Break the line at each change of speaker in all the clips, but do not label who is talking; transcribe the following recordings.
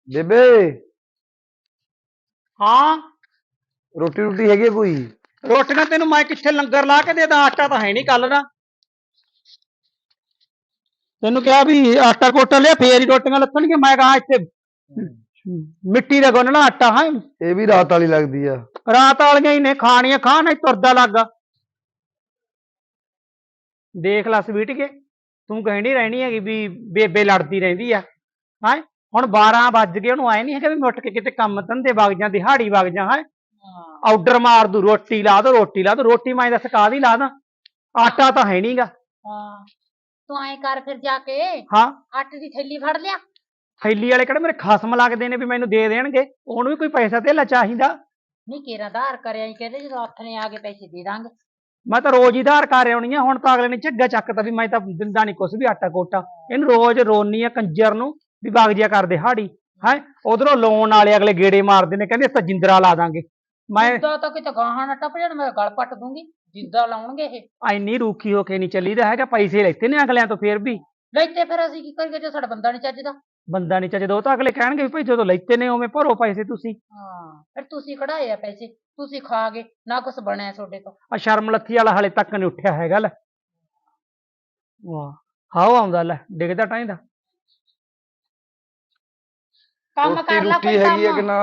ਬੇਬੇ
ਹਾਂ
ਰੋਟੀ ਰੋਟੀ ਹੈਗੀ ਆ ਕੋਈ?
ਰੋਟੀਆਂ ਤੈਨੂੰ ਮੈਂ ਕਿੱਥੇ ਲੰਗਰ ਲਾ ਕੇ ਦੇਦਾ? ਆਟਾ ਤਾਂ ਹੈ ਨਹੀਂ ਕੱਲ ਦਾ। ਤੈਨੂੰ ਕਿਹਾ ਵੀ ਆਟਾ ਕੋਟਾ ਲਿਆ ਫੇਰ ਹੀ ਰੋਟੀਆਂ ਲੱਥਣਗੀਆਂ। ਮੈਂ ਕਹਾ ਇੱਥੇ ਮਿੱਟੀ ਦਾ ਗੁੰਨਣਾ ਆਟਾ ਹੈ।
ਇਹ ਵੀ ਰਾਤ ਵਾਲੀ ਲੱਗਦੀ ਆ।
ਰਾਤ ਵਾਲੀਆਂ ਹੀ ਨੇ, ਖਾਣੀਆਂ ਖਾ ਨਹੀਂ ਤੁਰਦਾ ਲੱਗਾ। ਦੇਖ ਲਾ ਸਵੀਟ ਕੇ, ਤੂੰ ਕਹਿਣੀ ਰਹਿਣੀ ਹੈਗੀ ਵੀ ਬੇਬੇ ਲੜਦੀ ਰਹਿੰਦੀ ਆ। ਹੈ ਹੁਣ 12 ਵੱਜ ਗਏ, ਉਹਨੂੰ ਆਏ ਨਹੀਂ ਹੈਗਾ ਵੀ ਮੈਂ ਉੱਠ ਕੇ ਕਿਤੇ ਕੰਮ ਧੰਦੇ ਵਗ ਜਾਂ, ਦਿਹਾੜੀ ਵਗ ਜਾ। ਹੈ ਆਰਡਰ ਮਾਰ ਦੂ, ਰੋਟੀ ਲਾ ਦੋ, ਰੋਟੀ ਲਾ ਦੋ। ਰੋਟੀ ਮੈਂ ਦੱਸ ਕਾਹਦੀ ਲਾ ਦਾਂ? ਆਟਾ ਤਾਂ ਹੈ ਨਹੀਂਗਾ।
ਤੂੰ ਐਂ ਕਰ ਫਿਰ ਜਾ ਕੇ
ਹਾਂ
ਆਟੇ ਦੀ ਥੈਲੀ ਫੜ ਲਿਆ।
ਥੈਲੀ ਵਾਲੇ ਕਿਹੜੇ ਮੇਰੇ ਖਸਮ ਲੱਗਦੇ ਨੇ ਵੀ ਮੈਨੂੰ ਦੇ ਦੇਣਗੇ? ਉਹਨੂੰ ਵੀ ਕੋਈ ਪੈਸਾ ਧੇਲਾ ਚਾਹੀਦਾ।
ਨਹੀਂ ਕੇਰਾ ਆਧਾਰ ਕਰਿਆ ਹੀ ਕਹਿੰਦੇ ਜਦੋਂ ਹੱਥ ਨੇ ਆ ਕੇ ਪੈਸੇ ਦੇ ਦਾਂਗੇ।
ਮੈਂ ਤਾਂ ਰੋਜ਼ ਹੀ ਧਾਰ ਕਰ ਆਉਣੀ ਆ। ਹੁਣ ਤਾਂ ਅਗਲੇ ਨੇ ਝੱਗਾ ਚੱਕਤਾ ਵੀ ਮੈਂ ਤਾਂ ਦਿੰਦਾ ਨਹੀਂ ਕੁਛ ਵੀ ਆਟਾ ਕੋਟਾ। ਇਹਨੂੰ ਰੋਜ਼ ਰੋਨੀ ਆ ਕੰਜਰ ਨੂੰ ਵੀ ਵਗ ਜਿਆ ਕਰ ਦਿਹਾੜੀ। ਹੈ ਉਧਰੋਂ ਲੋਨ ਵਾਲੇ ਅਗਲੇ ਗੇੜੇ ਮਾਰਦੇ ਨੇ, ਕਹਿੰਦੇ ਅਸੀਂ ਜਿੰਦਰਾ ਲਾ ਦਾਂਗੇ। ਮੈਂ
ਤਾਂ ਕਿਤੇ ਗਾਹਾਂ ਨਾ ਟੱਪ ਜਾਣ, ਮੈਂ ਗਲ ਪੱਟ ਦੂੰਗੀ। ਜਿੱਦਾਂ ਲਾਉਣਗੇ ਇਹ
ਇੰਨੀ ਰੂਖੀ ਹੋ ਕੇ ਨਹੀਂ ਚੱਲੀਦਾ ਹੈਗਾ। ਪੈਸੇ ਲੈਤੇ ਨੇ ਅਗਲਿਆਂ ਤੋਂ, ਫੇਰ ਵੀ
ਲੈਤੇ ਫਿਰ ਅਸੀਂ ਕੀ ਕਰੀਏ ਜੇ ਸਾਡਾ ਬੰਦਾ ਨਹੀਂ ਚੱਜਦਾ?
ਬੰਦਾ ਨਹੀਂ ਚੱਜਦਾ। ਉਹ ਤਾਂ ਅਗਲੇ ਕਹਿਣਗੇ ਵੀ ਭਾਈ ਜਦੋਂ ਲੈਤੇ ਨੇ ਉਵੇਂ ਭਰੋ ਪੈਸੇ ਤੁਸੀਂ।
ਹਾਂ ਫਿਰ ਤੁਸੀਂ ਕਢਾਏ ਆ ਪੈਸੇ, ਤੁਸੀਂ ਖਾ ਗਏ ਨਾ, ਕੁਛ ਬਣਿਆ ਤੁਹਾਡੇ ਤੋਂ।
ਆ ਸ਼ਰਮ ਲੱਥੀ ਵਾਲਾ ਹਾਲੇ ਤੱਕ ਨਹੀਂ ਉੱਠਿਆ ਹੈਗਾ। ਲੈ ਵਾਹ ਹਾਓ ਆਉਂਦਾ, ਲੈ ਡਿੱਗਦਾ ਟਾਈਂਦਾ।
ਕੰਮ
ਰੋਟੀ
ਕਰ ਲਾ
ਰੋਟੀ
ਕੋਈ
ਹੈਗੀ ਆ ਕਿ
ਕੰਮ।
ਨਾ?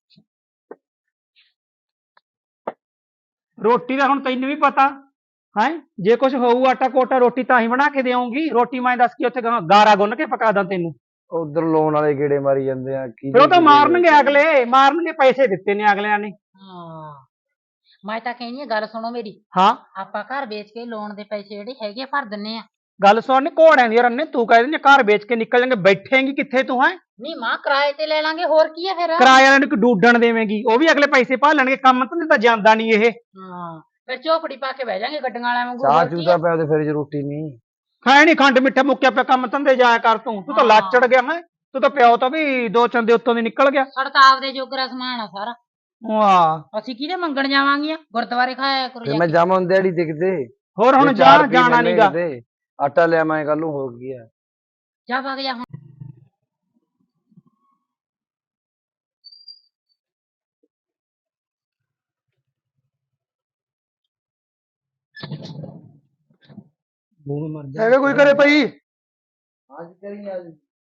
ਰੋਟੀ ਦਾ ਹੁਣ ਤੈਨੂੰ ਵੀ ਪਤਾ ਹੈ, ਜੇ ਕੁਝ ਹੋਊ ਆਟਾ ਕੋਟਾ ਰੋਟੀ ਤਾਂ ਹੀ ਬਣਾ ਕੇ ਦੇਵਾਂਗੀ। ਰੋਟੀ ਮੈਂ ਦੱਸ ਕੇ ਉੱਥੇ ਗਾਰਾ ਗੁੰਨ ਕੇ ਪਕਾ ਦਾਂ ਤੈਨੂੰ?
ਉਧਰ ਲੋਨ ਵਾਲੇ ਗੇੜੇ ਮਾਰੀ ਜਾਂਦੇ ਆ ਕੀ।
ਫਿਰ ਉਹ ਤਾਂ ਮਾਰਨਗੇ ਅਗਲੇ, ਮਾਰਨਗੇ। ਪੈਸੇ ਦਿੱਤੇ ਨੇ ਅਗਲਿਆਂ ਨੇ।
ਹਾਂ ਮੈਂ ਤਾਂ ਕਹਿੰਦੀ ਆ, ਗੱਲ ਸੁਣੋ ਮੇਰੀ।
ਹਾਂ
ਆਪਾਂ ਘਰ ਵੇਚ ਕੇ ਲੋਨ ਦੇ ਪੈਸੇ ਜਿਹੜੇ ਹੈਗੇ ਆ ਭਰ ਦਿੰਨੇ ਆ।
ਗੱਲ ਸੁਣ, ਘੋੜਿਆਂ ਦੀ ਰੰਨੇ ਤੂੰ ਕਹਿ ਦਿੰਦੀ ਘਰ ਵੇਚ ਕੇ ਨਿਕਲ ਜਾਣਗੇ। ਬੈਠੇਂਗੀ ਕਿੱਥੇ ਤੂੰ? ਹੈ
ਨਹੀਂ ਮਾਂ ਕਿਰਾਏ ਤੇ ਲੈ ਲਾਂਗੇ, ਹੋਰ ਕੀ ਆ ਫਿਰ।
ਕਿਰਾਏ ਵਾਲਿਆਂ ਨੂੰ ਡੂਡਣ ਦੇਵੇਂਗੀ? ਉਹ ਵੀ ਅਗਲੇ ਪੈਸੇ ਭਾਲਣਗੇ। ਕੰਮ ਧੰਦੇ ਤਾਂ ਜਾਂਦਾ ਨਹੀਂ ਇਹ।
ਹਾਂ ਫਿਰ ਝੋਪੜੀ ਪਾ ਕੇ ਬਹਿ ਜਾਾਂਗੇ ਗੱਡੀਆਂ ਵਾਲਿਆਂ ਵਾਂਗੂ।
ਚਾਹ
ਹੋਰ ਕੀ
ਚੂਤਾ
ਆ?
ਪਿਆ ਤੇ ਫਿਰ ਰੋਟੀ ਨਹੀਂ
ਹੈ ਨਹੀਂ, ਖੰਡ ਮਿੱਠਾ ਮੁੱਕਿਆ ਪਿਆ। ਕੰਮ ਧੰਦੇ ਜਾਇਆ ਕਰ ਤੂੰ ਤਾਂ
ਹਾਂ।
ਲੱਚੜ ਗਿਆ। ਹੈ ਤੂੰ ਤਾਂ ਪਿਓ ਤਾਂ ਵੀ ਦੋ ਚੰਦੇ ਉੱਤੋਂ ਦੀ ਨਿਕਲ ਗਿਆ।
ਸਾਡਾ ਤਾਂ ਆਪਦੇ ਜੋਗਰਾ ਸਮਾਨ ਆ ਸਾਰਾ।
ਵਾਹ
ਅਸੀਂ ਕਿਹਦੇ ਮੰਗਣ ਜਾਵਾਂਗੀਆਂ? ਗੁਰਦੁਆਰੇ ਖਾਇਆ ਕਰੋ
ਫਿਰ
ਜਾ
ਮੈਂ
ਕੇ।
ਜਾਵਾਂ ਦਿਹਾੜੀ ਦਿਖਦੇ।
ਹੋਰ ਹੁਣ ਜਾਣਾ ਨਹੀਂਗਾ।
ਆਟਾ ਲਿਆ ਮੈਂ ਕੱਲ ਨੂੰ, ਹੋ ਗਿਆ।
ਜਾ ਵਗ ਜਾ ਹੁਣ।
ਹੈਗਾ ਕੋਈ ਘਰੇ ਭਾਈ?
ਅੱਜ ਕਰੀ ਅੱਜ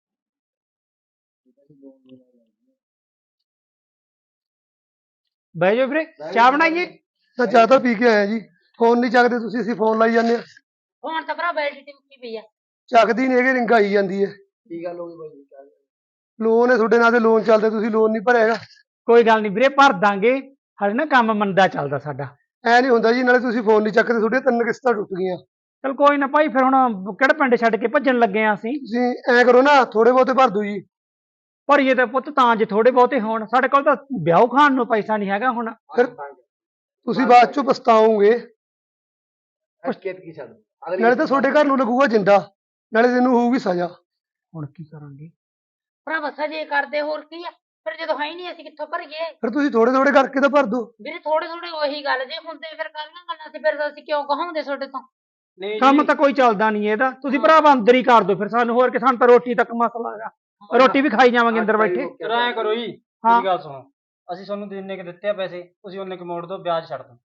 ਬਹਿ ਜਾਓ ਵੀਰੇ, ਚਾਹ ਬਣਾਈਏ?
ਤਾਂ ਚਾਹ ਤਾਂ ਪੀ ਕੇ ਆਇਆ ਜੀ। ਫੋਨ ਨਹੀਂ ਚੱਕਦੇ ਤੁਸੀਂ, ਅਸੀਂ ਫੋਨ ਲਾਈ ਜਾਂਦੇ ਆ।
ਹੁਣ ਤਾਂ ਭਰਾ ਬੈਲਟ ਤੇ ਮੁੱਕੀ ਪਈ ਆ।
ਚੱਕਦੀ ਨਹੀਂ ਹੈਗੇ, ਰਿੰਗ ਆਈ ਜਾਂਦੀ ਹੈ।
ਕੀ ਗੱਲ ਹੋ ਗਈ ਬਾਈ?
ਲੋਨ ਹੈ ਤੁਹਾਡੇ ਨਾਲ, ਤੇ ਲੋਨ ਚੱਲਦੇ, ਤੁਸੀਂ ਲੋਨ ਨਹੀਂ ਭਰਿਆ ਹੈਗਾ।
ਕੋਈ ਗੱਲ ਨਹੀਂ ਵੀਰੇ, ਭਰ ਦਾਂਗੇ। ਹਾਲੇ ਨਾ ਕੰਮ ਮੰਦਾ ਚੱਲਦਾ ਸਾਡਾ।
ਐ ਨਹੀਂ ਹੁੰਦਾ ਜੀ, ਨਾਲੇ ਤੁਸੀਂ ਫੋਨ ਨਹੀਂ ਚੱਕਦੇ, ਤੁਹਾਡੀਆਂ 3 ਕਿਸ਼ਤਾਂ ਟੁੱਟ ਗਈਆਂ।
ਚਲ ਕੋਈ ਨਾ ਭਾਈ, ਫਿਰ ਹੁਣ ਕਿਹੜਾ ਪਿੰਡ ਛੱਡ ਕੇ ਭੱਜਣ ਲੱਗੇ ਆ ਅਸੀਂ?
ਤੁਸੀਂ ਐ ਕਰੋ ਨਾ, ਥੋੜੇ ਬਹੁਤੇ ਭਰ ਦਿਓ ਜੀ।
ਭਰੀਏ ਤਾਂ ਪੁੱਤ ਤਾਂ ਜੇ ਥੋੜੇ ਬਹੁਤੇ ਹੋਣ। ਸਾਡੇ ਕੋਲ ਤਾਂ ਵਿਆਹ ਖਾਣ ਨੂੰ ਪੈਸਾ ਨਹੀਂ ਹੈਗਾ ਹੁਣ।
ਫਿਰ ਤੁਸੀਂ ਬਾਅਦ ਚੋਂ ਪਛਤਾਓਗੇ। ਨਾਲੇ ਤਾਂ ਤੁਹਾਡੇ ਘਰ ਨੂੰ ਲੱਗੂਗਾ ਜਿੰਦਾ, ਨਾਲੇ ਤੈਨੂੰ ਹੋਊਗੀ ਸਜ਼ਾ।
ਹੁਣ ਕੀ ਕਰਾਂਗੇ?
ਭਰਾ ਬਸਾ ਜੇ ਕਰਦੇ ਹੋਰ ਕੀ ਆ? ਫਿਰ ਜਦੋਂ ਹੈ ਹੀ ਨਹੀਂ ਅਸੀਂ ਕਿੱਥੋਂ ਭਰੀਏ?
ਫਿਰ ਤੁਸੀਂ ਥੋੜੇ ਥੋੜੇ ਕਰਕੇ ਤਾਂ ਭਰ ਦਿਓ।
ਵੀਰੇ ਥੋੜੇ ਥੋੜੇ ਉਹੀ ਗੱਲ, ਜੇ ਹੁੰਦੇ ਫਿਰ ਕਾਹਦੀਆਂ ਗੱਲਾਂ ਸੀ? ਫਿਰ ਅਸੀਂ ਕਿਉਂ ਕਹਾਉਂਦੇ ਤੁਹਾਡੇ ਤੋਂ?
ਕੰਮ ਤਾਂ ਕੋਈ ਚੱਲਦਾ ਨਹੀਂ ਇਹਦਾ। ਤੁਸੀਂ ਭਰਾਵਾ ਅੰਦਰ ਹੀ ਕਰ ਦਿਓ ਫਿਰ ਸਾਨੂੰ। ਹੋਰ ਕਿ ਸਾਨੂੰ ਤਾਂ ਰੋਟੀ ਤੱਕ ਮਸਲਾ ਹੈਗਾ। ਰੋਟੀ ਵੀ ਖਾਈ ਜਾਵਾਂਗੇ ਅੰਦਰ ਬੈਠੇ।
ਐਂ ਕਰੋ ਜੀ,
ਹਾਂ।
ਮੇਰੀ ਗੱਲ ਸੁਣੋ। ਅਸੀਂ ਤੁਹਾਨੂੰ ਜਿੰਨੇ ਕਿ ਦਿੱਤੇ ਆ ਪੈਸੇ, ਤੁਸੀਂ ਉਹਨੇ ਕਿ ਮੋੜ ਦਿਓ, ਵਿਆਜ ਛੱਡ ਦਿਓ।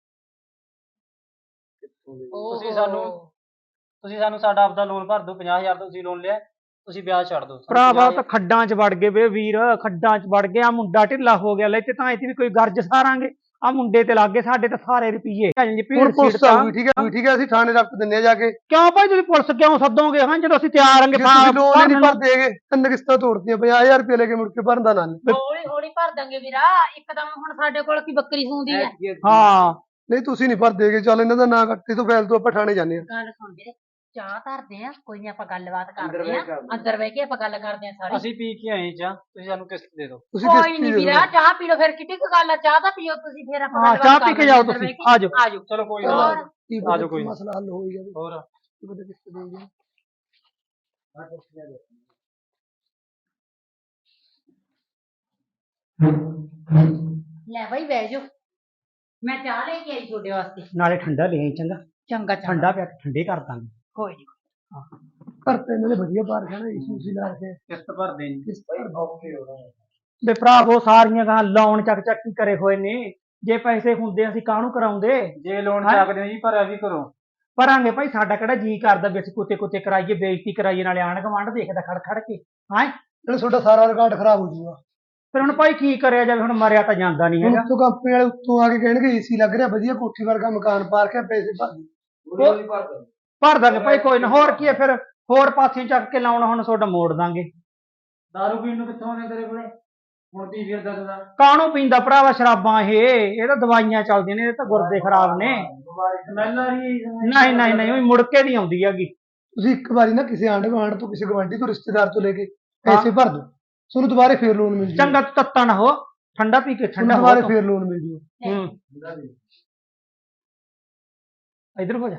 ਤੁਸੀਂ ਸਾਨੂੰ ਸਾਡਾ ਆਪਦਾ ਲੋਨ ਭਰ ਦਿਓ। 50,000 ਦਾ ਤੁਸੀਂ ਲੋਨ ਲਿਆ, ਤੁਸੀਂ ਵਿਆਜ ਛੱਡ ਦਿਓ।
ਭਰਾਵਾ ਤਾਂ ਖੱਡਾਂ 'ਚ ਵੜ ਗਏ ਵੇ ਵੀਰ, ਖੱਡਾਂ 'ਚ ਵੜ ਗਿਆ। ਮੁੰਡਾ ਢਿੱਲਾ ਹੋ ਗਿਆ। ਲੈ ਤੇ ਤਾਂ ਇੱਥੇ ਵੀ ਕੋਈ ਗਰਜ ਸਾਰਾਂਗੇ। ਆ ਮੁੰਡੇ ਤੇ ਲੱਗ ਗਏ ਸਾਡੇ ਤਾਂ ਸਾਰੇ ਰੁਪਈਏ।
ਹੁਣ ਪੁਲਿਸ ਆਊਗੀ, ਠੀਕ ਹੈ ਠੀਕ ਹੈ, ਅਸੀਂ ਥਾਣੇ ਰੱਖ ਦਿੰਦੇ ਆ ਜਾ ਕੇ।
ਕਿਉਂ ਭਾਈ ਤੁਸੀਂ ਪੁਲਿਸ ਕਿਉਂ ਸੱਦੋਗੇ? ਹਾਂ ਜਦੋਂ ਅਸੀਂ ਤਿਆਰ ਆਂਗੇ।
ਜੇ ਤੁਸੀਂ ਲੋਨ ਹੀ ਨਹੀਂ ਭਰਦੇ ਹੈਗੇ, 3 ਕਿਸ਼ਤਾਂ ਤੋੜਦੀਆਂ, 50,000 ਰੁਪਏ ਲੈ ਕੇ ਮੁੜ ਕੇ ਭਰਨ ਦਾ ਨਾਂ ਨਹੀਂ।
ਹੌਲੀ ਹੌਲੀ ਭਰ ਦਾਂਗੇ ਵੀਰਾ, ਇੱਕਦਮ ਹੁਣ ਸਾਡੇ ਕੋਲ ਕੀ ਬੱਕਰੀ ਸੂੰਦੀ ਆ।
ਹਾਂ
ਨਹੀਂ ਤੁਸੀਂ ਨਹੀਂ ਭਰਦੇ ਹੈਗੇ, ਚੱਲ ਇਹਨਾਂ ਦਾ ਨਾਂ ਕੱਟੇ ਤੋਂ ਫੈਲ ਤੋਂ ਆਪਾਂ ਥਾਣੇ ਜਾਂਦੇ ਆ।
ਗੱਲ ਸੁਣ ਵੀਰੇ, ਚਾਹ ਧਰਦੇ ਆ, ਕੋਈ ਨਹੀਂ ਆਪਾਂ ਗੱਲਬਾਤ ਕਰਦੇ ਆ। ਅੰਦਰ ਬਹਿ ਕੇ ਆਪਾਂ ਗੱਲ ਕਰਦੇ ਆ ਸਾਰੀ।
ਅਸੀਂ ਪੀ ਕੇ ਆਏ ਚਾਹ, ਤੁਸੀਂ ਸਾਨੂੰ ਕਿਸ਼ਤ ਦੇ ਦਿਓ।
ਤੁਸੀਂ
ਕੋਈ
ਕਿਸ਼ਤ
ਨਹੀਂ
ਦੇ
ਵੀਰਾ,
ਦਿਓ।
ਚਾਹ ਪੀ ਲਓ ਫਿਰ। ਕਿੱਡੀ ਕੁ ਗੱਲ ਆ, ਚਾਹ ਤਾਂ ਪੀਓ ਤੁਸੀਂ, ਫਿਰ ਆਪਾਂ
ਹਾਂ,
ਗੱਲਬਾਤ
ਚਾਹ ਪੀ
ਕਰ
ਕੇ
ਲੈਂਦੇ
ਜਾਓ
ਅੰਦਰ
ਤੁਸੀਂ।
ਬਹਿ ਕੇ।
ਆਜੋ
ਆਜੋ
ਚਲੋ ਕੋਈ
ਹੋਰ।
ਨਾ,
ਕੀ
ਆ ਜਾਓ
ਪਤਾ
ਕੋਈ ਨਾ।
ਮਸਲਾ ਹੱਲ ਹੋ ਜਾਵੇ।
ਹੋਰ
ਕੀ ਪਤਾ ਕਿਸ਼ਤ ਦੇ ਜਾਵੇ।
ਲੈ ਬਾਈ ਬਹਿ ਜਾਓ, ਮੈਂ ਚਾਹ ਲੈ ਕੇ ਆਈ ਤੁਹਾਡੇ ਵਾਸਤੇ।
ਨਾਲੇ ਠੰਡਾ ਲੈ ਆਈ ਚੰਗਾ।
ਚੰਗਾ
ਠੰਡਾ ਪਿਆ ਕੇ ਠੰਡੇ ਕਰ ਦਾਂਗੇ।
ਕੋਈ ਨਹੀਂ।
ਘਰ ਤੇ ਇਹਨਾਂ ਦੇ ਵਧੀਆ ਪਾਰਕ ਹੈ ਨਾ, ਇਸ਼ੂ ਸੀ ਲਾ ਕੇ
ਕਿਸ਼ਤ ਭਰਦੇ ਨਹੀਂ।
ਕਿਸ਼ਤ ਭਰ
ਵੇ ਭਰਾਵੋ ਸਾਰੀਆਂ ਗਾਂ ਲੋਨ ਚੱਕ ਚੱਕ ਕੀ ਕਰੇ ਹੋਏ ਨੇ। ਜੇ ਪੈਸੇ ਹੁੰਦੇ ਅਸੀਂ ਕਾਹਨੂੰ ਕਰਾਉਂਦੇ।
ਜੇ ਲੋਨ
ਹੈਂ?
ਚੱਕਦੇ ਹੋ ਜੀ ਭਰਿਆ ਵੀ ਕਰੋ।
ਭਰਾਂਗੇ ਭਾਈ, ਸਾਡਾ ਕਿਹੜਾ ਜੀ ਕਰਦਾ ਵੀ ਅਸੀਂ ਕੁੱਤੇ ਕੁੱਤੇ ਕਰਾਈਏ, ਬੇਇੱਜ਼ਤੀ ਕਰਾਈਏ, ਨਾਲੇ ਆਂਢ ਗੁਆਂਢ ਦੇਖਦਾ ਖੜ ਖੜ ਕੇ। ਹੈਂ
ਨਾਲੇ ਤੁਹਾਡਾ ਸਾਰਾ ਰਿਕਾਰਡ ਖਰਾਬ ਹੋ ਜਾਊਗਾ।
ਫਿਰ ਹੁਣ ਭਾਈ ਕੀ ਕਰਿਆ ਜਾਵੇ, ਹੁਣ ਮਰਿਆ ਤਾਂ ਜਾਂਦਾ ਨਹੀਂ
ਹੁਣ
ਹੈਗਾ।
ਉੱਤੋਂ ਕੰਪਨੀ ਵਾਲੇ ਉੱਤੋਂ ਆ ਕੇ ਕਹਿਣਗੇ ਏਸੀ ਲੱਗ ਰਿਹਾ ਵਧੀਆ, ਕੋਠੀ ਵਰਗਾ ਮਕਾਨ ਪਾ ਕੇ ਪੈਸੇ ਭਰ ਦਿਓ।
ਹੌਲੀ ਭਰ ਦੋ।
ਭਰ ਦਾਂਗੇ ਭਾਈ, ਕੋਈ ਨਾ। ਹੋਰ ਕੀ ਹੈ ਫਿਰ, ਹੋਰ ਪਾਸੇ ਚੱਕ ਕੇ ਲਾਉਣਾ ਹੁਣ ਤੁਹਾਡਾ ਮੋੜ ਦਾਂਗੇ।
ਦਾਰੂ ਪੀਣ ਨੂੰ ਕਿੱਥੋਂ ਆਉਂਦੇ ਤੇਰੇ ਕੋਲੇ? ਹੁਣ ਕੀ ਫਿਰਦਾ ਤੂੰ?
ਕਾਹਨੂੰ ਪੀਂਦਾ ਭਰਾਵਾ ਸ਼ਰਾਬਾਂ, ਇਹ ਤਾਂ ਦਵਾਈਆਂ ਚੱਲਦੀਆਂ ਨੇ, ਇਹ ਤਾਂ ਗੁਰਦੇ ਖਰਾਬ ਨੇ।
ਸਮੈਲ ਆ ਰਹੀ ਹੈ।
ਨਹੀਂ ਨਹੀਂ ਨਹੀਂ, ਉਹ ਮੁੜ ਕੇ ਨਹੀਂ ਆਉਂਦੀ ਹੈਗੀ।
ਤੁਸੀਂ ਇੱਕ ਵਾਰੀ ਨਾ ਕਿਸੇ ਆਂਢ ਗੁਆਂਢ ਤੋਂ, ਕਿਸੇ ਗਵਾਂਢੀ ਤੋਂ, ਰਿਸ਼ਤੇਦਾਰ ਤੋਂ ਲੈ ਕੇ ਪੈਸੇ ਭਰ ਦਿਓ, ਤੁਹਾਨੂੰ ਦੁਬਾਰੇ ਫੇਰ ਲੋਨ ਮਿਲ ਜੂਗਾ।
ਚੰਗਾ ਤੂੰ ਤੱਤਾ ਨਾ ਹੋ, ਠੰਡਾ ਪੀ ਕੇ ਠੰਡਾ
ਤੁਹਾਨੂੰ
ਹੋ
ਦੁਬਾਰੇ
ਤੂੰ।
ਫੇਰ ਲੋਨ ਮਿਲ ਜੂਗਾ।
ਇਧਰ ਹੋ ਜਾ।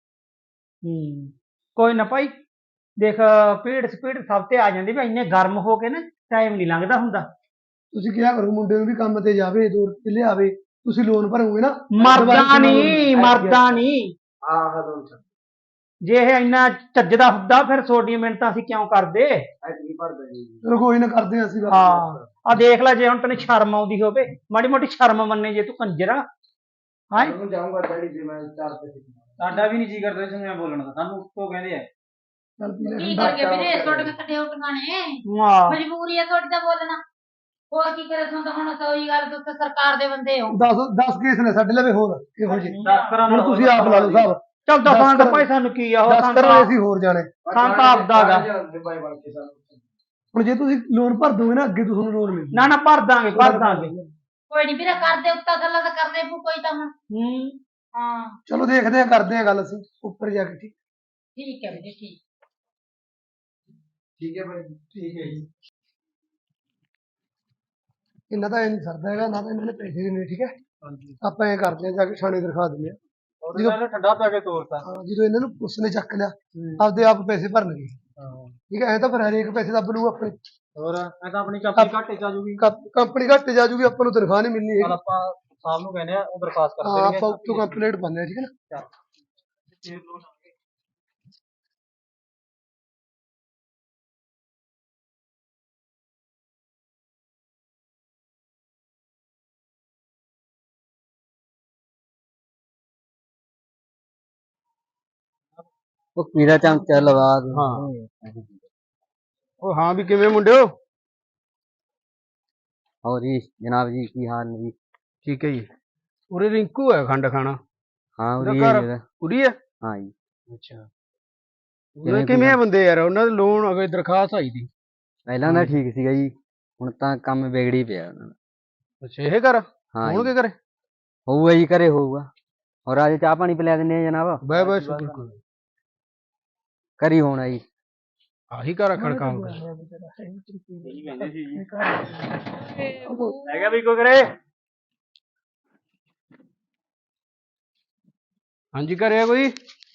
ਕੋਈ ਨਾ ਭਾਈ, ਦੇਖ ਭੀੜ ਸਪੀਡ ਸਭ ਤੇ ਆ ਜਾਂਦੀ ਵੀ ਇੰਨੇ ਗਰਮ ਹੋ ਕੇ ਨਾ ਟਾਈਮ ਨਹੀਂ ਲੰਘਦਾ ਹੁੰਦਾ।
ਤੁਸੀਂ ਕਿਹਾ ਕਰੋ ਮੁੰਡੇ ਨੂੰ ਵੀ ਕੰਮ ਤੇ ਜਾਵੇ, 2 ਰੁਪਏ ਲਿਆਵੇ, ਤੁਸੀਂ ਲੋਨ ਭਰੋਗੇ ਨਾ।
ਮਰਦਾ ਨਹੀਂ, ਮਰਦਾ ਨਹੀਂ।
ਆਹ ਲੋਨ ਚੱਕ
ਜੇ ਇਹ ਇੰਨਾ ਚੱਜਦਾ ਹੁੰਦਾ ਫਿਰ ਛੋਟੀਆਂ ਮਿਹਨਤਾਂ ਅਸੀਂ ਕਿਉਂ ਕਰਦੇ।
ਨਹੀਂ ਭਰਦਾ ਜੀ।
ਚਲੋ ਕੋਈ ਨਾ, ਕਰਦੇ ਹਾਂ ਅਸੀਂ ਗੱਲ।
ਹਾਂ ਆ ਦੇਖ ਲੈ, ਜੇ ਹੁਣ ਤੈਨੂੰ ਸ਼ਰਮ ਆਉਂਦੀ ਹੋਵੇ, ਮਾੜੀ ਮੋਟੀ ਸ਼ਰਮ ਮੰਨੇ ਜੇ ਤੂੰ ਕੰਜਰਾ। ਹਾਂ
ਮੈਂ ਜਾਊਂਗਾ ਡੈਡੀ ਜੀ, ਮੈਂ 4 ਪੈਸੇ
ਸਾਡਾ ਵੀ ਨਹੀਂ ਜੀ ਕਰਦਾ ਇਸ ਨੂੰ ਬੋਲਣ ਦਾ, ਸਾਨੂੰ ਉੱਤੋਂ ਕਹਿੰਦੇ ਆ।
ਚੱਲ ਪੀ ਲੈ
ਕੀ
ਠੰਡਾ।
ਕਰੀਏ ਵੀਰੇ, ਤੁਹਾਡੇ ਕੱਟੇ ਉੱਟੀਆਂ ਨੇ,
ਵਾਹ
ਮਜਬੂਰੀ ਹੈ ਤੁਹਾਡੀ ਦਾ ਬੋਲਣਾ। ਹੋਰ ਕੀ ਕਰੇ ਤੁਹਾਨੂੰ ਤਾਂ, ਹੁਣ ਤਾਂ ਉਹੀ ਗੱਲ, ਤੁਸੀਂ ਸਰਕਾਰ ਦੇ ਬੰਦੇ ਹੋ।
10 ਕੇਸ ਨੇ ਸਾਡੇ ਲਵੇ ਹੋਰ ਇਹੋ ਜਿਹੇ।
10 ਕਰਾਂ
ਹੁਣ ਤੁਸੀਂ ਆਪ ਲਾ ਲਓ ਹਿਸਾਬ।
ਚੱਲ ਦੱਸਾਂ ਤਾਂ
ਦਸ
ਭਾਈ ਸਾਨੂੰ ਕੀ ਆ ਉਹ
10 ਕਰੋ ਅਸੀਂ ਹੋਰ ਜਾਣੇ।
ਸਾਨੂੰ ਤਾਂ ਆਪਦਾ ਗਾ।
ਬਾਈ ਬਣ ਕੇ ਸਾਨੂੰ
ਹੁਣ ਜੇ ਤੁਸੀਂ ਲੋਨ ਭਰ ਦੋਗੇ ਨਾ, ਅੱਗੇ ਤੁਹਾਨੂੰ ਲੋਨ ਮਿਲ
ਨਾ ਨਾ ਭਰ ਦਾਂਗੇ, ਭਰ ਦਾਂਗੇ।
ਕੋਈ ਨਹੀਂ ਵੀਰੇ, ਕਰਦੇ ਉੱਤਾ ਥੱਲਾ ਤਾਂ ਕਰਨੇ ਪੂ ਕੋਈ ਤਾਂ ਹੁਣ। ਹਾਂ
ਚਲੋ ਦੇਖਦੇ ਹਾਂ, ਕਰਦੇ ਹਾਂ ਗੱਲ ਅਸੀਂ ਉੱਪਰ ਜਾ ਕੇ। ਠੀਕ
ਠੀਕ ਹੈ ਵੀਰੇ, ਠੀਕ।
ਠੀਕ ਹੈ ਭਾਈ।
ਠੀਕ ਹੈ ਜੀ। ਇਹਨਾਂ ਦਾ ਇਹ ਨਹੀਂ ਸਰਦਾ ਹੈਗਾ, ਨਾ ਤਾਂ ਇਹਨਾਂ ਨੇ ਪੈਸੇ ਦੇਣੇ। ਠੀਕ ਹੈ, ਆਪਾਂ ਐਂ ਕਰਦੇ ਹਾਂ, ਜਾ ਕੇ ਥਾਣੇ ਦਿਖਾ ਦਿੰਦੇ ਹਾਂ।
ਜਦੋਂ ਠੰਡਾ ਪਾ ਕੇ ਤੋਰਤਾ।
ਹਾਂ, ਜਦੋਂ ਇਹਨਾਂ ਨੂੰ ਪੁਲਿਸ ਨੇ ਚੱਕ ਲਿਆ, ਆਪਦੇ ਆਪ ਪੈਸੇ ਭਰਨਗੇ। ਠੀਕ ਹੈ, ਐ ਤਾਂ ਫਿਰ ਹਰੇਕ ਪੈਸੇ ਦੱਬ ਲੂਗਾ ਆਪਣੇ।
ਹੋਰ ਮੈਂ ਤਾਂ ਆਪਣੀ ਕੰਪਨੀ ਘਾਟੇ ਚ ਆ ਜੂਗੀ।
ਕੰਪਨੀ ਘੱਟ ਜਾ ਜੂਗੀ, ਆਪਾਂ ਨੂੰ ਤਨਖਾਹ ਨਹੀਂ ਮਿਲਣੀ
ਚੱਲ
ਹੈਗੀ।
ਆਪਾਂ ਸਾਹਿਬ ਨੂੰ ਕਹਿੰਦੇ ਆ, ਉਹ ਦਰਖਾਸਤ ਕਰ
ਹਾਂ,
ਦੇਣਗੇ।
ਆਪਾਂ ਉੱਤੋਂ ਕੰਪਲੀਟ ਪਾਉਂਦੇ ਹਾਂ। ਠੀਕ ਹੈ ਨਾ।
ਉਹ ਕੀੜਾ ਚਮਚਾ ਲਵਾ ਦੇ।
ਉਹ ਹਾਂ ਵੀ ਕਿਵੇਂ ਮੁੰਡਿਓ?
ਹੋਰ ਜੀ ਜਨਾਬ ਜੀ, ਕੀ ਹਾਲ ਨੇ ਜੀ?
ਠੀਕ ਹੈ ਜੀ। ਉਰੇ ਰਿੰਕੂ ਹੈ ਖੰਡ ਖਾਣਾ।
ਹਾਂ
ਉਹਦਾ
ਉਰੀ
ਘਰ
ਹੈ ਜੀ ਉਹਦਾ।
ਉਰੀ ਹੈ।
ਹਾਂ ਜੀ।
ਅੱਛਾ,
ਕਿਵੇਂ
ਕਿਵੇਂ ਬੰਦੇ ਯਾਰ, ਉਹਨਾਂ ਦੇ ਲੋਨ ਅਗੇ ਦਰਖਾਸਤ ਆਈ ਦੀ।
ਪਹਿਲਾਂ ਤਾਂ ਠੀਕ ਸੀਗਾ ਜੀ, ਹੁਣ ਤਾਂ ਕੰਮ ਵਿਗੜੀ ਪਿਆ ਉਹਨਾਂ ਦਾ।
ਅੱਛਾ, ਇਹ ਕਰ
ਹਾਂ
ਹੁਣ
ਜੀ।
ਕੀ ਕਰੇ?
ਹੋਊਗਾ ਜੀ, ਘਰੇ ਹੋਊਗਾ। ਹੋਰ ਅੱਜ ਚਾਹ ਪਾਣੀ ਪਿਲਾ ਦਿੰਦੇ ਆ ਜਨਾਬ।
ਬਾਏ ਬਾਏ, ਸ਼ੁਕਰ।
ਘਰੀ ਹੋਣਾ ਜੀ।
ਆਹੀ ਘਰ ਰੱਖਣ ਕੰਮ ਕਰ।
ਹੈਗਾ ਵੀ ਕੋਈ ਕਰੇ।
ਹਾਂਜੀ, ਘਰੇ ਕੋਈ?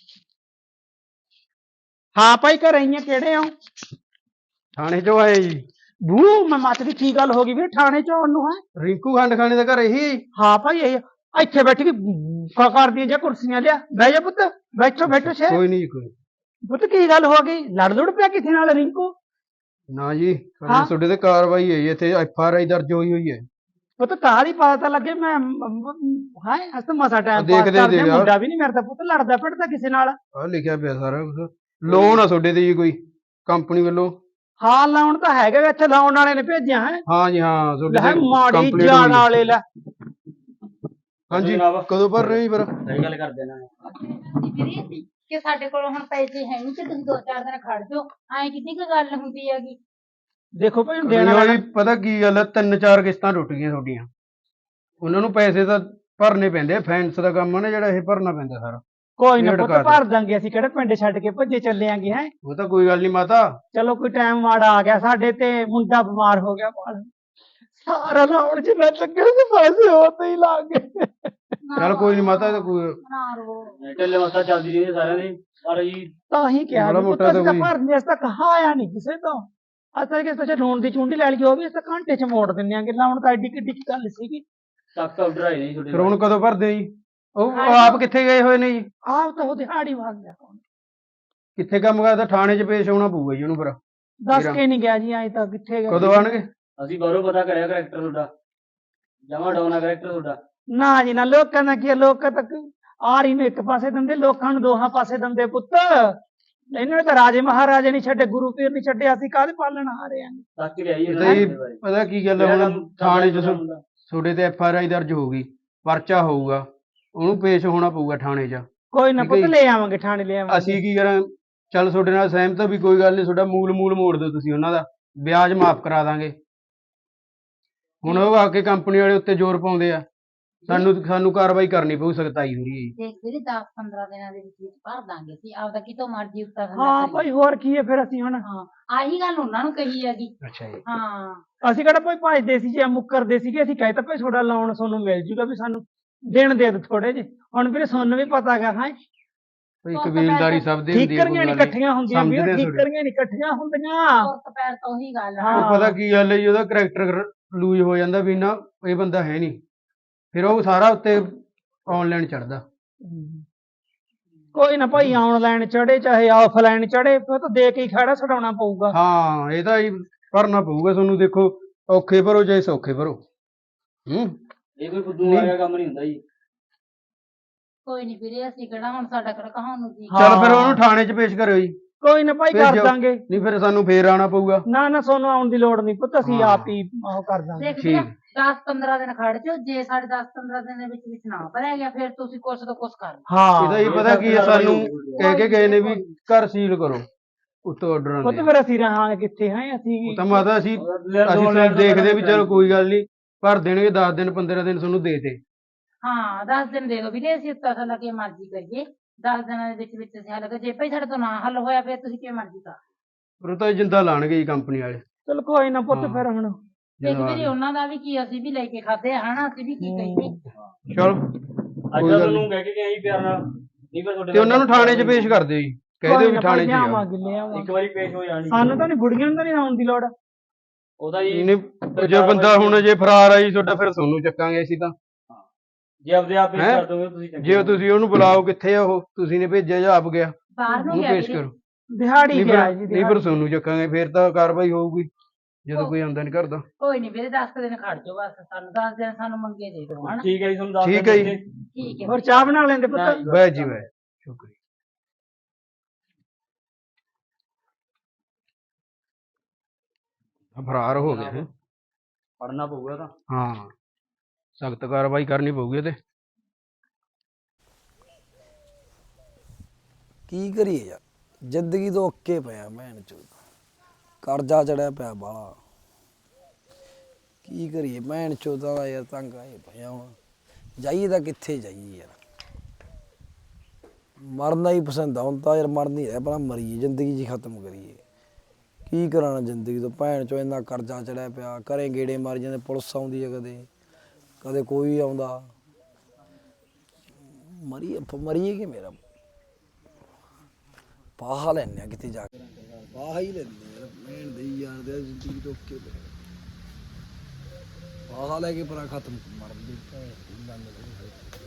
ਹਾਂ ਭਾਈ ਘਰੇ ਹੀ ਆ, ਕਿਹੜੇ ਹੋ?
ਥਾਣੇ ਚੋਂ ਆਏ ਜੀ।
ਬੂ ਮੈਂ ਮੱਚਦੀ, ਕੀ ਗੱਲ ਹੋ ਗਈ ਵੀਰੇ ਥਾਣੇ ਚ ਆਉਣ ਨੂੰ? ਹੈ
ਰਿੰਕੂ ਖੰਡ ਖਾਣੇ ਦਾ ਘਰ ਇਹੀ।
ਹਾਂ ਭਾਈ ਇਹ ਇੱਥੇ ਬੈਠ ਕੇ ਕਰਦੀਆਂ ਜਾਂ ਕੁਰਸੀਆਂ ਲਿਆ, ਬਹਿ ਜਾ ਪੁੱਤ, ਬੈਠੋ ਬੈਠੋ ਸ਼ੇ।
ਕੋਈ ਨਹੀਂ ਕੋਈ।
ਪੁੱਤ ਕੀ ਗੱਲ ਹੋ ਗਈ, ਲੜ ਲੁੜ ਪਿਆ ਕਿਸੇ ਨਾਲ ਰਿੰਕੂ?
ਨਾ ਜੀ,
ਹਾਂ?
ਤੁਹਾਡੇ ਤੇ ਕਾਰਵਾਈ ਹੈ ਜੀ, ਇੱਥੇ FRI ਦਰਜ ਹੋਈ ਹੋਈ ਹੈ।
ਪੁੱਤ ਕਾਹਦੀ ਪਤਾ ਤਾਂ ਲੱਗੇ। ਮੈਂ ਹਾਂ ਅਸ ਤਾਂ ਮਸਾ ਟਾਈਮ ਪਾਸ
ਦੇਖਦੇ
ਕਰਦੇ,
ਤੇ ਯਾਰ।
ਮੁੰਡਾ ਵੀ ਨਹੀਂ ਮੇਰਾ ਪੁੱਤ ਲੜਦਾ ਪਿੜਦਾ ਕਿਸੇ ਨਾਲ।
ਆਹ ਲਿਖਿਆ ਪਿਆ ਸਾਰਾ ਕੁਝ। ਲੋਨ ਆ ਤੁਹਾਡੇ ਤੇ ਜੀ ਕੋਈ ਕੰਪਨੀ ਵੱਲੋਂ?
ਹਾਂ ਲਾਉਣ ਤਾਂ ਹੈਗਾ, ਇੱਥੇ ਲਾਉਣ ਵਾਲੇ ਨੇ ਭੇਜਿਆ ਹੈ।
ਹਾਂ ਜੀ ਹਾਂ, ਤੁਹਾਡੇ
ਲੈ
ਤੇ
ਮਾੜੀ
complete
ਜਾਣ
ਹੋਈ।
ਵਾਲੇ ਲੈ।
ਹਾਂਜੀ, ਕਦੋਂ ਭਰ ਰਹੇ ਹੋ ਜੀ ਫਿਰ?
ਸਹੀ ਗੱਲ ਕਰਦੇ ਨਾ।
ਵੀਰੇ ਕਿ ਸਾਡੇ ਕੋਲ ਹੁਣ ਪੈਸੇ ਹੈ ਨਹੀਂ, ਤੇ ਤੁਸੀਂ 2-4 ਦਿਨ ਖੜ ਜਾਓ, ਐਂ ਕਿੰਨੀ ਕੁ ਗੱਲ ਹੁੰਦੀ ਹੈਗੀ।
ਦੇਖੋ ਭਾਈ
ਨਹੀਂ
ਦੇਣਾ
ਜੀ, ਪਤਾ ਕੀ ਗੱਲ ਹੈ, 3-4 ਕਿਸ਼ਤਾਂ ਟੁੱਟ ਗਈਆਂ ਤੁਹਾਡੀਆਂ। ਉਹਨਾਂ ਨੂੰ ਪੈਸੇ ਤਾਂ ਭਰਨੇ ਪੈਂਦੇ ਆ, ਫਾਈਨੈਂਸ ਦਾ ਕੰਮ ਹੈ ਨਾ ਜਿਹੜਾ, ਇਹ ਭਰਨਾ ਪੈਂਦਾ ਸਾਰਾ।
ਕੋਈ ਨਾ
ਡੇਢ
ਪੁੱਤ
ਕਰ ਦਿਓ।
ਭਰ ਦਾਂਗੇ, ਅਸੀਂ ਕਿਹੜੇ ਪਿੰਡ ਛੱਡ ਕੇ ਭੱਜੇ ਚੱਲੇ ਆਂਗੇ। ਹੈ
ਉਹ ਤਾਂ ਕੋਈ ਗੱਲ ਨਹੀਂ ਮਾਤਾ।
ਚਲੋ ਕੋਈ ਟਾਈਮ ਮਾੜਾ ਆ ਗਿਆ ਸਾਡੇ ਤੇ, ਮੁੰਡਾ ਬਿਮਾਰ ਹੋ ਗਿਆ ਬਾਹਰ, ਸਾਰਾ ਲਾਉਣ ਚ ਮੈਂ ਲੱਗੇ ਸੀ, ਪੈਸੇ ਹੋਤੇ ਹੀ ਲੱਗ ਗਏ।
ਚੱਲ ਕੋਈ ਨਹੀਂ ਮਾਤਾ, ਇਹ ਤਾਂ ਕੋਈ
ਨਾ ਰੋ।
ਢਿੱਲੇ ਮਸਾ ਚੱਲਦੀ ਰਹੀ ਸਾਰਿਆਂ ਦੀ, ਪਰ ਜੀ
ਤਾਂ ਹੀ ਕਿਹਾ
ਮਾੜਾ
ਵੀ
ਮੋਟਾ
ਪੁੱਤ
ਤਾਂ
ਅਸੀਂ ਤਾਂ
ਕੋਈ-
ਭਰਨੇ, ਅਸੀਂ ਤਾਂ ਕਹਾ ਆਇਆ ਨਹੀਂ ਕਿਸੇ ਤੋਂ। ਅਸਾਂ ਕਿ ਸੋਚਿਆ ਲੋਨ ਦੀ ਚੁੰਡੀ ਲੈ ਲਈ, ਉਹ ਵੀ ਅਸੀਂ ਤਾਂ ਘੰਟੇ ਚ ਮੋੜ ਦਿੰਦੇ ਆਂਗੇ। ਲਾਉਣ ਤਾਂ ਐਡੀ ਕਿੱਡੀ ਗੱਲ ਸੀਗੀ।
ਤੱਕ ਆਰਡਰ ਆਏ ਨਹੀਂ ਤੁਹਾਡੇ
ਫਿਰ ਹੁਣ ਕਦੋਂ ਭਰਦੇ ਜੀ? ਉਹ ਆਪ ਕਿੱਥੇ ਗਏ ਹੋਏ ਨੇ ਜੀ?
ਆਹ ਤਾਂ ਉਹ ਦਿਹਾੜੀ ਵਾਂਗ ਗਿਆ,
ਕਿੱਥੇ ਕੰਮ ਕਰਦਾ? ਥਾਣੇ 'ਚ ਪੇਸ਼ ਹੋਣਾ ਪਊਗਾ ਜੀ ਉਹਨੂੰ ਫਿਰ।
ਦੱਸ ਕੇ ਨਹੀਂ ਗਿਆ ਜੀ, ਐਂ ਤਾਂ ਕਿੱਥੇ ਗਿਆ।
ਕਦੋਂ ਆਣਗੇ?
ਅਸੀਂ ਬਾਹਰੋਂ ਪਤਾ ਕਰਿਆ ਕਰੈਕਟਰ ਤੁਹਾਡਾ ਜਮਾ ਡਾਉਨਾ ਕਰੈਕਟਰ ਤੁਹਾਡਾ।
ਨਾ ਜੀ ਨਾ, ਲੋਕਾਂ ਦਾ ਕੀ ਆ, ਲੋਕ ਤੱਕ ਆਰੀ ਨੂੰ ਇੱਕ ਪਾਸੇ ਦਿੰਦੇ, ਲੋਕਾਂ ਨੂੰ ਦੋਹਾਂ ਪਾਸੇ ਦਿੰਦੇ ਪੁੱਤ। ਇਹਨਾਂ ਨੇ ਤਾਂ ਰਾਜੇ ਮਹਾਰਾਜੇ ਨਹੀਂ ਛੱਡੇ, ਗੁਰੂ ਪੀਰ ਨਹੀਂ ਛੱਡੇ, ਅਸੀਂ ਕਾਹਦੇ ਪਾਲਣ ਆ ਰਹੇ ਹਾਂ।
ਤੱਕ ਲਿਆਈ
ਇਹ ਤਾਂ ਜੀ ਪਤਾ ਕੀ ਗੱਲ ਹੈ, ਹੁਣ ਥਾਣੇ 'ਚ ਤੁਹਾਡੇ ਤੇ FRI ਦਰਜ ਹੋਊਗੀ, ਪਰਚਾ ਹੋਊਗਾ, ਉਹਨੂੰ ਪੇਸ਼ ਹੋਣਾ ਪਊਗਾ ਥਾਣੇ 'ਚ।
ਕੋਈ ਨਾ
ਠੀਕ
ਪੁੱਤ,
ਹੈ ਜੀ।
ਲੈ ਆਵਾਂਗੇ ਥਾਣੇ, ਲੈ ਆਵਾਂਗੇ।
ਅਸੀਂ ਕੀ ਕਰਾਂ, ਚੱਲ ਤੁਹਾਡੇ ਨਾਲ ਸਹਿਮਤ ਆ ਵੀ ਕੋਈ ਗੱਲ ਨਹੀਂ, ਤੁਹਾਡਾ ਮੂਲ ਮੋੜ ਦਿਓ ਤੁਸੀਂ, ਉਹਨਾਂ ਦਾ ਵਿਆਜ ਮਾਫ ਕਰਾ ਦਾਂਗੇ। ਹੁਣ ਉਹ ਆ ਕੇ ਕੰਪਨੀ ਵਾਲੇ ਉੱਤੇ ਜ਼ੋਰ ਪਾਉਂਦੇ ਆ, ਸਾਨੂੰ ਕਾਰਵਾਈ ਕਰਨੀ ਪਊ, ਸਖਤਾਈ ਹੋ ਰਹੀ ਹੈ ਜੀ।
ਦੇਖ ਵੀਰੇ 10-15 ਦਿਨਾਂ ਦੇ ਵਿੱਚ ਭਰ ਦਾਂਗੇ ਅਸੀਂ ਆਪਦਾ, ਕਿਤੋਂ ਮਰਜ਼ੀ ਉੱਤਾ
ਹਾਂ ਭਾਈ, ਹੋਰ ਕੀ ਹੈ ਫਿਰ ਅਸੀਂ ਹੁਣ।
ਹਾਂ, ਆਹੀ ਗੱਲ ਉਹਨਾਂ ਨੂੰ ਕਹੀ ਹੈਗੀ।
ਅੱਛਾ ਜੀ।
ਹਾਂ,
ਅਸੀਂ ਕਿਹੜਾ ਭਾਈ ਭਜਦੇ ਸੀ ਜਾਂ ਮੁੱਕਰਦੇ ਸੀਗੇ, ਅਸੀਂ ਕਹਿ ਤਾ ਭਾਈ ਤੁਹਾਡਾ ਲੋਨ ਤੁਹਾਨੂੰ ਮਿਲ ਜੂਗਾ, ਵੀ ਸਾਨੂੰ ਦੇਣ ਦੇ ਦੋ ਥੋੜੇ ਜਿਹੇ। ਹੁਣ ਵੀਰੇ ਸਾਨੂੰ ਵੀ ਪਤਾ ਹੈਗਾ ਹੈ,
ਕੋਈ ਕਬੀਲਦਾਰੀ ਸਭ ਦੀ ਹੁੰਦੀ ਹੈ,
ਠੀਕਰੀਆਂ ਨਹੀਂ ਇਕੱਠੀਆਂ ਹੁੰਦੀਆਂ ਵੀਰੇ,
ਸਮਝਦੇ ਆ
ਠੀਕਰੀਆਂ ਨਹੀਂ ਇਕੱਠੀਆਂ ਹੁੰਦੀਆਂ।
ਪੁੱਤ ਪੈਰ ਤੋਂ ਉਹੀ ਗੱਲ
ਹਾਂ।
ਉਹ ਪਤਾ ਕੀ ਗੱਲ ਹੈ ਜੀ, ਉਹਦਾ ਕਰੈਕਟਰ ਲੂਜ਼ ਹੋ ਜਾਂਦਾ ਵੀ ਨਾ ਇਹ ਬੰਦਾ ਹੈ ਨਹੀਂ, ਫਿਰ ਉਹ ਸਾਰਾ ਉੱਤੇ ਆਨਲਾਈਨ ਚੜਦਾ।
ਕੋਈ ਨਾ ਭਾਈ, ਆਨਲਾਈਨ ਚੜੇ ਚਾਹੇ ਆਫਲਾਈਨ ਚੜੇ, ਫਿਰ ਤਾਂ ਦੇ ਕੇ ਹੀ ਖੜਾ ਛਡਾਉਣਾ ਪਊਗਾ।
ਹਾਂ, ਇਹ ਤਾਂ ਜੀ ਭਰਨਾ ਪਊਗਾ ਤੁਹਾਨੂੰ, ਦੇਖੋ ਔਖੇ ਭਰੋ ਚਾਹੇ ਸੌਖੇ ਭਰੋ।
ਇਹ ਕੋਈ ਫੁੱਦੂ ਵਾਲਾ ਕੰਮ ਨਹੀਂ ਹੁੰਦਾ ਜੀ।
ਕੋਈ ਨਹੀਂ ਵੀਰੇ, ਅਸੀਂ ਕਿਹੜਾ ਹੁਣ ਸਾਡਾ ਕਿਹੜਾ ਕਹਾਉਣ ਨੂੰ ਜੀ।
ਚੱਲ ਫਿਰ ਉਹਨੂੰ ਥਾਣੇ 'ਚ ਪੇਸ਼ ਕਰਿਓ ਜੀ,
ਕੋਈ ਨਾ ਭਾਈ, ਕਰ
ਭੇਜੋ।
ਦਾਂਗੇ।
ਨਹੀਂ ਫਿਰ ਸਾਨੂੰ ਫੇਰ ਆਉਣਾ ਪਊਗਾ।
ਨਾ ਸਾਨੂੰ ਆਉਣ ਦੀ ਲੋੜ ਨਹੀਂ ਪੁੱਤ, ਅਸੀਂ
ਹਾਂ।
ਆਪ ਹੀ ਉਹ ਕਰ ਦਾਂਗੇ।
ਦੇਖ
ਠੀਕ।
10-15 ਦਿਨ ਖੜ ਜਾਓ, ਜੇ ਸਾਡੇ 10-15 ਦਿਨ ਦੇ ਵਿੱਚ ਨਾ ਭਰਿਆ ਗਿਆ, ਫਿਰ ਤੁਸੀਂ ਕੁਛ ਤੋਂ ਕੁਛ ਕਰ ਲਓ।
ਹਾਂ
ਇਹਦਾ ਜੀ ਪਤਾ ਕੀ ਹੈ, ਸਾਨੂੰ ਕਹਿ ਕੇ ਗਏ ਨੇ ਵੀ ਘਰ ਸੀਲ ਕਰੋ, ਉੱਤੋਂ ਆਰਡਰ
ਪੁੱਤ
ਆਉਂਦੇ।
ਫਿਰ ਅਸੀਂ ਰਹਾਂਗੇ ਕਿੱਥੇ ਹੈ ਅਸੀਂ।
ਉਹ ਤਾਂ ਮਾਤਾ ਅਸੀਂ ਤਾਂ ਦੇਖਦੇ ਵੀ ਚਲੋ ਕੋਈ ਗੱਲ ਨਹੀਂ, ਭਰ ਦੇਣਗੇ 10 ਦਿਨ 15 ਦਿਨ ਤੁਹਾਨੂੰ ਦੇ ਦੇ।
ਹਾਂ, 10 ਦਿਨ ਦੇ ਦਿਓ ਵੀਰੇ, ਅਸੀਂ ਉੱਤਾ ਥੱਲਾ ਕੇ ਮਰਜ਼ੀ ਕਰੀਏ। 10 ਦਿਨਾਂ ਦੇ ਵਿੱਚ ਅਸੀਂ ਹੱਲ ਕਰ, ਜੇ ਭਾਈ ਸਾਡੇ ਤੋਂ ਨਾ ਹੱਲ ਹੋਇਆ, ਫਿਰ ਤੁਸੀਂ ਕਿਵੇਂ ਮਰਜ਼ੀ ਕਰ।
ਪਰ ਉਹ ਤਾਂ ਜਿੰਦਾ ਲਾਣਗੇ ਜੀ ਕੰਪਨੀ ਵਾਲੇ।
ਚਲ ਕੋਈ ਨਾ ਪੁੱਤ,
ਹਾਂ।
ਫਿਰ ਹੁਣ
ਦੇਖ ਵੀਰੇ, ਉਹਨਾਂ ਦਾ ਵੀ ਕੀ, ਅਸੀਂ ਵੀ ਲੈ ਕੇ ਖਾਦੇ ਆ ਹਨਾ, ਅਸੀਂ ਵੀ ਕੀ ਕਹੀਏ।
ਚਲ
ਅੱਜ
ਕੋਈ
ਤਾਂ
ਗੱਲ
ਤੁਹਾਨੂੰ ਕਹਿ ਕੇ ਗਏ ਸੀ ਪਿਆਰ ਨਾਲ, ਨਹੀਂ ਫਿਰ ਤੁਹਾਡੇ
ਤੇ ਉਹਨਾਂ ਨੂੰ ਥਾਣੇ 'ਚ ਪੇਸ਼ ਕਰ ਦਿਓ ਜੀ, ਕਹਿ ਦਿਓ ਵੀ ਥਾਣੇ 'ਚ ਹੀ ਆ।
ਲਿਆਵਾਂਗੇ ਲਿਆਵਾਂਗੇ।
ਇੱਕ ਵਾਰੀ ਪੇਸ਼ ਹੋ ਜਾਣੀ।
ਸਾਨੂੰ ਤਾਂ ਨਹੀਂ, ਬੁੜੀਆਂ ਨੂੰ ਤਾਂ ਨਹੀਂ ਆਉਣ ਦੀ ਲੋੜ।
ਉਹਦਾ ਜੀ
ਨਹੀਂ, ਜੇ ਬੰਦਾ ਹੁਣ ਜੇ ਫਰਾਰ ਆ ਜੀ ਤੁਹਾਡਾ, ਫਿਰ ਤੁਹਾਨੂੰ ਚੱਕਾਂਗੇ ਅਸੀਂ ਤਾਂ।
ਜੇ ਆਪਦੇ ਆਪ ਪੇਸ਼
ਹੈਂ?
ਕਰ ਦੋਗੇ ਤੁਸੀਂ ਚੰਗੇ
ਜੇ ਤੁਸੀਂ ਉਹਨੂੰ ਬੁਲਾਓ, ਕਿੱਥੇ ਆ ਉਹ, ਤੁਸੀਂ ਨੇ ਭੇਜਿਆ ਜਾਂ ਆਪ ਗਿਆ,
ਬਾਹਰ ਨੂੰ
ਉਹਨੂੰ
ਗਿਆ
ਪੇਸ਼
ਵੀਰੇ।
ਕਰੋ।
ਦਿਹਾੜੀ
ਨਹੀਂ
ਗਿਆ
ਫਿਰ
ਜੀ,
ਨਹੀਂ ਫਿਰ ਤੁਹਾਨੂੰ ਚੱਕਾਂਗੇ, ਫਿਰ ਤਾਂ ਕਾਰਵਾਈ ਹੋਊਗੀ ਜਦੋਂ ਕੋਈ ਆਉਂਦਾ ਨਹੀਂ ਕਰਦਾ।
ਕੋਈ ਨਹੀਂ ਵੀਰੇ, 10 ਦਿਨ ਖੜ ਜਾਓ ਬਸ, ਸਾਨੂੰ 10 ਦਿਨ ਸਾਨੂੰ ਮੰਗੇ ਦੇ ਦਿਓ ਹਨਾ।
ਠੀਕ ਹੈ ਜੀ, ਤੁਹਾਨੂੰ ਦੱਸ
ਠੀਕ ਹੈ ਜੀ।
ਠੀਕ ਹੈ।
ਹੋਰ ਚਾਹ ਬਣਾ ਲੈਂਦੇ ਪੁੱਤ।
ਨਾ ਜੀ।
ਵਾਹ ਜੀ ਵਾਹ, ਸ਼ੁਕਰੀਆ। ਫਰਾਰ ਹੋ ਗਿਆ ਹੈ।
ਪੜਨਾ ਪਊਗਾ ਤਾਂ।
ਹਾਂ, ਸਖਤ ਕਾਰਵਾਈ ਕਰਨੀ ਪਊਗੀ ਇਹਦੇ।
ਕੀ ਕਰੀਏ ਯਾਰ, ਜ਼ਿੰਦਗੀ ਤੋਂ ਅੱਕੇ ਪਿਆ ਭੈਣ ਚੋਦ, ਕਰਜ਼ਾ ਚੜਿਆ ਪਿਆ ਬਾਲਾ। ਕੀ ਕਰੀਏ ਭੈਣ ਚੋਦਾਂ ਦਾ ਯਾਰ, ਤੰਗ ਆਏ ਪਿਆ ਹੁਣ। ਜਾਈਏ ਤਾਂ ਕਿੱਥੇ ਜਾਈਏ ਯਾਰ, ਮਰਨਾ ਹੀ ਪਸੰਦ ਆ ਹੁਣ ਤਾਂ ਯਾਰ, ਮਰ ਨਹੀਂ ਰਿਹਾ, ਆਪਣਾ ਮਰੀਏ, ਜ਼ਿੰਦਗੀ ਜੀ ਖਤਮ ਕਰੀਏ। ਕੀ ਕਰਾਣਾ ਜ਼ਿੰਦਗੀ ਤੋਂ, ਭੈਣ ਚੋ ਇੰਨਾ ਕਰਜ਼ਾ ਚੜਿਆ ਪਿਆ, ਘਰੇ ਗੇੜੇ ਮਾਰੀ ਜਾਂਦੇ, ਪੁਲਿਸ ਆਉਂਦੀ ਹੈ ਕਦੇ ਕਦੇ ਕੋਈ ਆਉਂਦਾ। ਮਰੀਏ ਕਿ ਮੇਰਾ ਪਾਹਾ ਲੈਣੇ ਆ ਕਿਤੇ ਜਾ ਕੇ, ਪਾਹਾ ਹੀ ਲੈਂਦੇ ਯਾਰ, ਭੈਣ ਦੇ ਯਾਰ ਦੇ ਜ਼ਿੰਦਗੀ ਤੋਂ ਅੱਕੇ ਪਏ, ਪਾਹਾ ਲੈ ਕੇ ਪਰਾਂ ਖਤਮ ਮਰਨ ਦੀ ਭੈਣ ਦੀ ਗੱਲ ਨਹੀਂ।